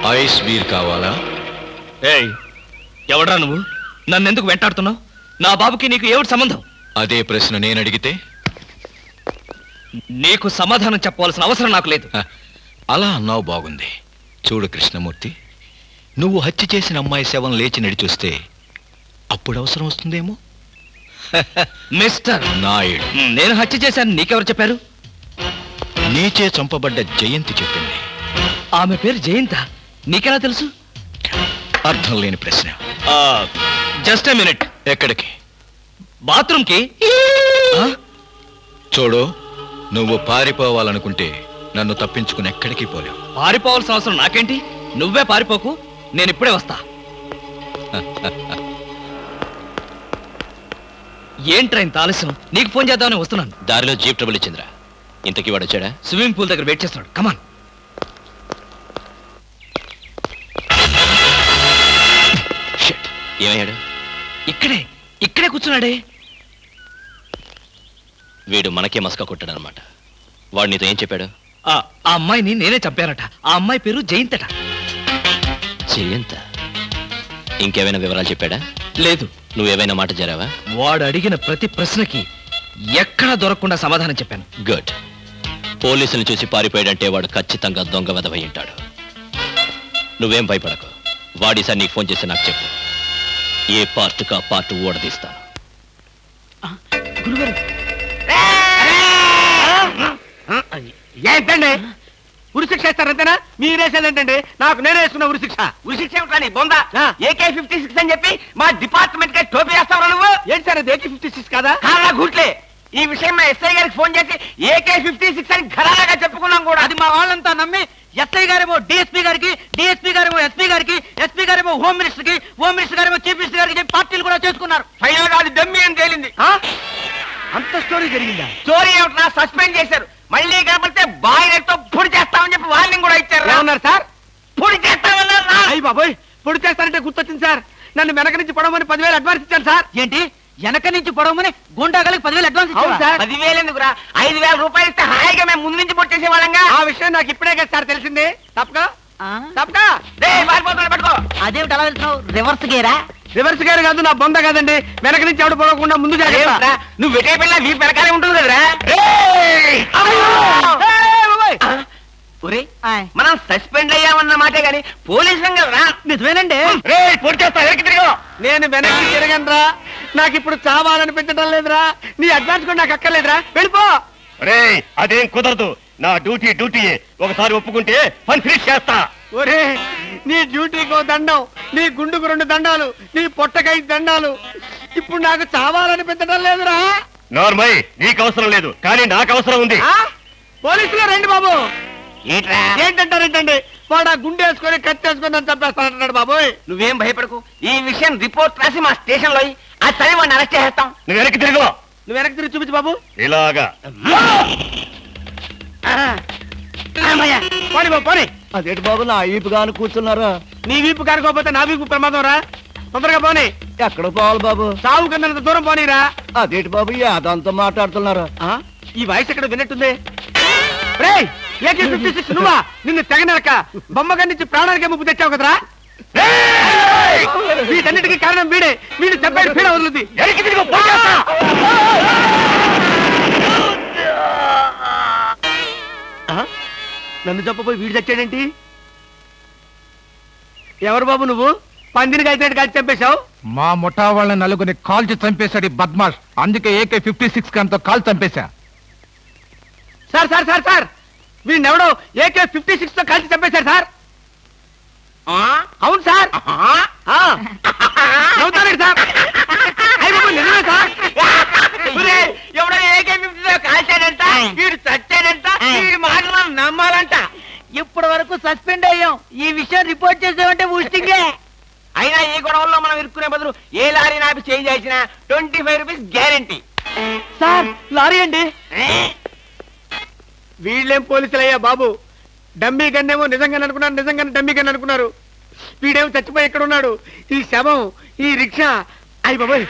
Ice beer కావాలా? ఏయ్, ఎవడ్రా నువ్వు? నన్ను ఎందుకు వెంటాడుతున్నావు? నా బాబుకి నీకు ఏమిటి సంబంధం? అదే ప్రశ్న నేను అడిగితే నీకు సమాధానం చెప్పవలసిన అవసరం నాకు లేదు. అలా అన్నావు, బాగుంది. చూడు కృష్ణమూర్తి, నువ్వు హత్య చేసిన అమ్మాయి శవం లేచి నడిచొస్తే అప్పుడు అవసరం వస్తుందేమో. మిస్టర్ నాయుడు, నేను హత్య చేశాను నీకెవరు చెప్పారు? నీచే చంపబడ్డ జయంతి చెప్పింది. ఆమె పేరు జయంత, నీకెలా తెలుసు? అర్థం లేని ప్రశ్న. Just a minute. ఎక్కడికి? బాత్రూమ్కి. చూడు, నువ్వు పారిపోవాలనుకుంటే నన్ను తప్పించుకుని ఎక్కడికి పోలేవు. పారిపోవాల్సిన అవసరం నాకేంటి? నువ్వే పారిపోకు, నేను ఇప్పుడే వస్తా. ఏంట్రా ఇంత ఆలస్యం? నీకు ఫోన్ చేద్దామని వస్తున్నాను. దారిలో జీప్ ట్రబుల్ ఇచ్చిందిరా. ఇంతకీ వాడు వచ్చాడా? స్విమ్మింగ్ పూల్ దగ్గర వెయిట్ చేస్తున్నాడు. కమాన్. ఏమయ్యాడు? ఇక్కడే కూర్చున్నాడే. వీడు మనకే మస్కా కొట్టాడనమాట. వాడు నీతో ఏం చెప్పాడు? ఆ అమ్మాయిని నేనే చంపానట. ఆ అమ్మాయి పేరు జయంతట. జయంత? ఇంకేమైనా వివరాలు చెప్పాడా? లేదు. నువ్వేమైనా మాట జరావా? వాడు అడిగిన ప్రతి ప్రశ్నకి ఎక్కడా దొరకకుండా సమాధానం చెప్పాను. గుడ్. పోలీసులు చూసి పారిపోయాడంటే వాడు ఖచ్చితంగా దొంగ వెధవై ఉంటాడు. నువ్వేం భయపడకు. వాడిసారి నీకు ఫోన్ చేసి నాకు చెప్పు. ఏ పార్ట్కా పార్ట్ ఓడదీస్తాను. ఏంటండి ఉరిశిక్ష ఇస్తారంతేనా? మీరేసేదేంటండి? నాకు నేనే వేసుకున్న ఉరిశిక్ష. ఉరిశిక్ష ఏమిటని బొందా? AK-56 అని చెప్పి మా డిపార్ట్మెంట్ కి టోపీ వేస్తావు నువ్వు? ఏంటి సార్ అది AK-56 కాదా? కాలా గుట్లే. ఈ విషయం మా ఎస్ఐ గారికి ఫోన్ చేసి AK-56 అని ఘరాగా చెప్పుకున్నాం కూడా. అది మా వాళ్ళంతా నమ్మి ఎస్ఐ గారేమో డిఎస్పీ గారికి, డిఎస్పీ గారేమో ఎస్పీ గారికి, ఎస్పీ గారేమో హోమ్ మినిస్టర్ కి, హోమ్ మినిస్టర్ గారేమో చీఫ్ మినిస్టర్ గారికి చెప్పి పార్టీలు కూడా చేసుకున్నారు. ఫైనల్ గా అది దమ్మి అని తేలింది. అంత స్టోరీ జరిగిందా? స్టోరీ ఏమిటా? సస్పెండ్ చేశారు. మళ్ళీ కనపడితే బాయిలతో పొడి చేస్తామని చెప్పి వార్నింగ్ కూడా ఇచ్చారు. ఏమన్నారు సార్? పొడి చేస్తామన్నారు. అయ్యి బాబోయ్, పొడి చేస్తారంటే గుర్తొచ్చింది సార్. నన్ను వెనక నుంచి పొడవమని 10,000 అడ్వాన్స్ ఇచ్చాను సార్. ఏంటి? వెనక నుంచి పొడవమని గుండాగలకి 10,000 అడ్వాన్స్ ఇచ్చాను సార్. 10,000 ఎందుకురా? 5,000 రూపాయలు ఇస్తే హాయిగా మేము ముందు నుంచి పొట్టేసే వాళ్ళంగా. ఆ విషయం నాకు ఇప్పుడే కదా సార్ తెలిసింది. తప్పక పారిపోతున్నా పట్టుకో. అదేమిటి అలా వెళ్తున్నావు? రివర్స్ గేరా? రివర్స్ గేర్ కాదు, నా బొంద కాదండి. వెనక నుంచి ఎవడు పొడవకుండా ముందు జాగ్రత్త. నువ్వు వెటే పిల్ల వీపు వెనకాలే ఉంటుంది కదరా. మనం సస్పెండ్ అయ్యామన్న మాటే గాని పోలీసులం కదరా. నిజమేనండి. పొడి చేస్తా వెనక్కి తిరిగి. నేను వెనక్కి తిరగనరా. నాకు ఇప్పుడు చావాలనిపించడం లేదురా. నీ అడ్వాన్స్ కూడా నాకు అక్కర్లేదురా. వెళ్ళిపో. అదేం కుదరదు. నా డ్యూటీ ఒకసారి ఒప్పుకుంటే పని ఫినిష్ చేస్తా. ఒరే, నీ డ్యూటీకో దండం, నీ గుండుకు 2 దండాలు, నీ పొట్టకై దండాలు. ఇప్పుడు నాకు చావాలనిపించడం లేదురా. నార్మల్, నీకు అవసరం లేదు, కానీ నాకు అవసరం ఉంది. పోలీసులు రండి బాబు. ఏంట్రా? ఏంటంటారేంటండి? వాడు ఆ గుండె వేసుకొని కత్తి వేసుకొని నన్ను చంపేస్తానంటున్నాడు బాబోయ్. నువ్వేం భయపడకు. ఈ విషయం రిపోర్ట్ రాసి మా స్టేషన్ లో ఆ చదివి వాడిని అరెస్ట్ చేస్తాం. నువ్వు వెనక్కి తిరుగు. నువ్వు వెనక్కి తిరిగి చూపించు బాబు. ఇలాగా పోనీ బాబు పోనీ. అదేంటి బాబు నా వీపు కాను కూర్చున్నారా? నీ వీపు కానుకోకపోతే నా వీపు ప్రమాదం రా. తొందరగా పోనీ. ఎక్కడ పోవాలి బాబు? సాగు కింద దూరం పోనీరా. అదేంటి బాబు అదంతా మాట్లాడుతున్నారా? ఈ వాయిస్ ఎక్కడ విన్నట్టుంది. AK-56 నువ్వా? నిన్ను తెగనరక బొమ్మగారి నుంచి ప్రాణానికే ముప్పు తెచ్చావు కదరా. వీటన్నిటికీ కారణం వీడే. వీడు చెప్పాడు పీడ వదులుద్ది. నన్ను చెప్పబోయి వీడు చచ్చాడేంటి? ఎవరు బాబు నువ్వు? పందిని కలిసినట్టు కలిసి చంపేశావు. మా ముఠా వాళ్ళని నలుగురిని కాల్చి చంపేశాడు బద్మాష్. అందుకే AK-56 గన్తో కాల్ చంపేశా. సార్ సార్ సార్ సార్, వీడినెవడో AK-56 తో కలిసి చంపేశారు సార్. అవును సార్. నవ్వుతారండి సార్. నిజమే సార్. ఎవడో AK-56 కాల్చాడంట, వీడు చచ్చాడంట, వీడి మాటలు నమ్మాలంట. ఇప్పటి వరకు సస్పెండ్ అయ్యాం. ఈ విషయం రిపోర్ట్ చేసామంటే ఊస్టింగే. అయినా ఈ గొడవల్లో మనం ఇరుక్కునే బదులు ఏ లారీ నాపి చేంజ్ చేసినా 25 రూపీస్ గ్యారెంటీ. సార్ లారీ అండి. వీళ్ళేం పోలీసులయ్యా బాబు. డమ్మీ గన్నేమో నిజంగానే అనుకున్నారు, నిజంగానే డమ్మీ గన్ అనుకున్నారు. వీడేమో చచ్చిపోయి ఎక్కడ ఉన్నాడు? ఈ శవం, ఈ రిక్షా. అయ్యి బాబోయ్,